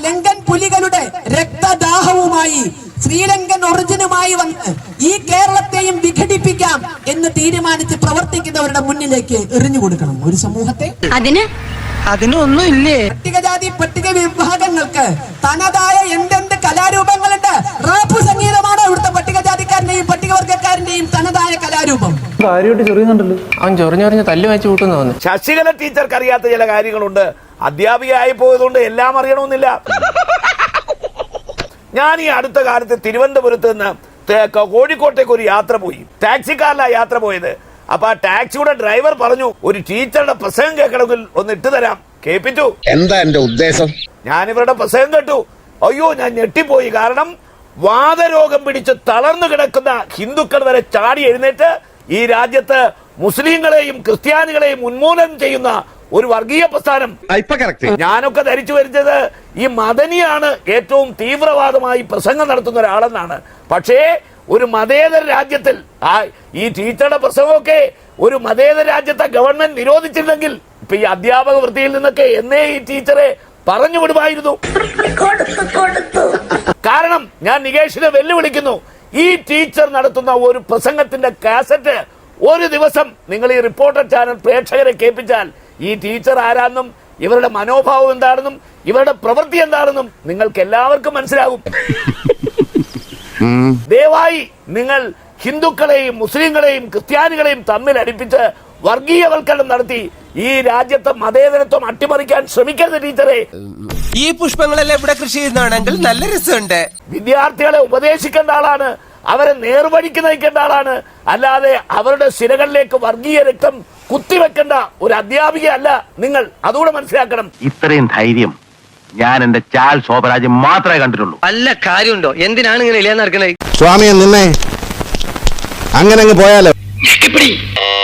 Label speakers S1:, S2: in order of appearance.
S1: ലങ്കൻ പുലികളുടെ രക്തദാഹവുമായി ശ്രീലങ്കൻ ഒറിജിനുമായി വന്ന് ഈ കേരളത്തെയും വിഘടിപ്പിക്കാം എന്ന് തീരുമാനിച്ച് പ്രവർത്തിക്കുന്നവരുടെ മുന്നിലേക്ക് എറിഞ്ഞു കൊടുക്കണം ഒരു സമൂഹത്തെ.
S2: അതിനൊന്നും ഇല്ലേ?
S1: പട്ടികജാതി പട്ടിക വിഭാഗങ്ങൾക്ക് തനതായ എന്തെന്ത് കലാരൂപങ്ങളുണ്ട്. റാപ്പ് സംഗീതമാണ് ഇവിടുത്തെ പട്ടികജാതിക്കാരന്റെയും പട്ടികവർഗക്കാരന്റെയും തനതായ കലാരൂപം.
S3: അവൻ ചൊറിഞ്ഞൊറിഞ്ഞ് തല്ലു വെച്ച് കൂട്ടുന്നു.
S4: ശശികല ടീച്ചർക്ക് അറിയാത്ത ചില കാര്യങ്ങളുണ്ട്. അധ്യാപികയായി പോയതുകൊണ്ട് എല്ലാം അറിയണമെന്നില്ല. ഞാൻ ഈ അടുത്ത കാലത്ത് തിരുവനന്തപുരത്ത് നിന്ന് കോഴിക്കോട്ടേക്ക് ഒരു യാത്ര പോയി. ടാക്സിക്കാരിലാണ് യാത്ര പോയത്. അപ്പൊ ആ ടാക്സിയുടെ ഡ്രൈവർ പറഞ്ഞു, ഒരു ടീച്ചറുടെ പ്രസംഗം കേൾക്കണമെങ്കിൽ ഒന്ന് ഇട്ടു തരാം. കേൾപ്പിച്ചു.
S5: എന്താ എന്റെ ഉദ്ദേശം?
S4: ഞാൻ ഇവരുടെ പ്രസംഗം കേട്ടു. അയ്യോ, ഞാൻ ഞെട്ടിപ്പോയി. കാരണം വാതരോഗം പിടിച്ച് തളർന്നു കിടക്കുന്ന ഹിന്ദുക്കൾ വരെ ചാടി എഴുന്നേറ്റ് ഈ രാജ്യത്ത് മുസ്ലിങ്ങളെയും ക്രിസ്ത്യാനികളെയും ഉന്മൂലനം ചെയ്യുന്ന ഒരു വർഗീയ പ്രസ്ഥാനം. ഞാനൊക്കെ ധരിച്ചു വരുന്നത് ഈ മദനിയാണ് ഏറ്റവും തീവ്രവാദമായി പ്രസംഗം നടത്തുന്ന ഒരാളെന്നാണ്. പക്ഷേ ഒരു മതേതര രാജ്യത്തിൽ ഈ ടീച്ചറുടെ പ്രസംഗമൊക്കെ ഒരു മതേതര രാജ്യത്തെ ഗവൺമെന്റ് നിരോധിച്ചിരുന്നെങ്കിൽ ഇപ്പൊ ഈ അധ്യാപക വൃത്തിയിൽ നിന്നൊക്കെ എന്നേ ഈ ടീച്ചറെ പറഞ്ഞു വിടുമായിരുന്നു. കാരണം ഞാൻ നികേഷിനെ വെല്ലുവിളിക്കുന്നു, ഈ ടീച്ചർ നടത്തുന്ന ഒരു പ്രസംഗത്തിന്റെ കാസറ്റ് ഒരു ദിവസം നിങ്ങൾ ഈ റിപ്പോർട്ടർ ചാനൽ പ്രേക്ഷകരെ കേൾപ്പിച്ചാൽ ഈ ടീച്ചർ ആരാണെന്നും ഇവരുടെ മനോഭാവം എന്താണെന്നും ഇവരുടെ പ്രവൃത്തി എന്താണെന്നും നിങ്ങൾക്ക് എല്ലാവർക്കും മനസ്സിലാകും. ദയവായി നിങ്ങൾ ഹിന്ദുക്കളെയും മുസ്ലിങ്ങളെയും ക്രിസ്ത്യാനികളെയും തമ്മിൽ അടുപ്പിച്ച് വർഗീയവൽക്കരണം നടത്തി ഈ രാജ്യത്തെ മതേതരത്വം അട്ടിമറിക്കാൻ ശ്രമിക്കരുത് ടീച്ചറെ.
S2: ഈ പുഷ്പങ്ങളെല്ലാം ഇവിടെ കൃഷി ചെയ്യുന്നതാണെങ്കിൽ നല്ല രസമുണ്ട്.
S4: വിദ്യാർത്ഥികളെ ഉപദേശിക്കേണ്ട ആളാണ്, അവരെ നേർവഴിക്ക് നയിക്കേണ്ട ആളാണ്. അല്ലാതെ അവരുടെ സിരകളിലേക്ക് വർഗീയ രക്തം കുത്തിവെക്കേണ്ട ഒരു അധ്യാപികയല്ല നിങ്ങൾ. അതുകൂടെ മനസ്സിലാക്കണം.
S5: ഇത്രയും ധൈര്യം ഞാൻ എന്റെ ചാൽ ശോഭരാജ് മാത്രമേ കണ്ടിട്ടുള്ളൂ.
S2: വല്ല കാര്യമുണ്ടോ? എന്തിനാണ് ഇങ്ങനെ ഇല്ലാന്ന് നടക്കണേ?
S5: സ്വാമിയെ നിന്നെ അങ്ങനെ അങ്ങ് പോയാലോ.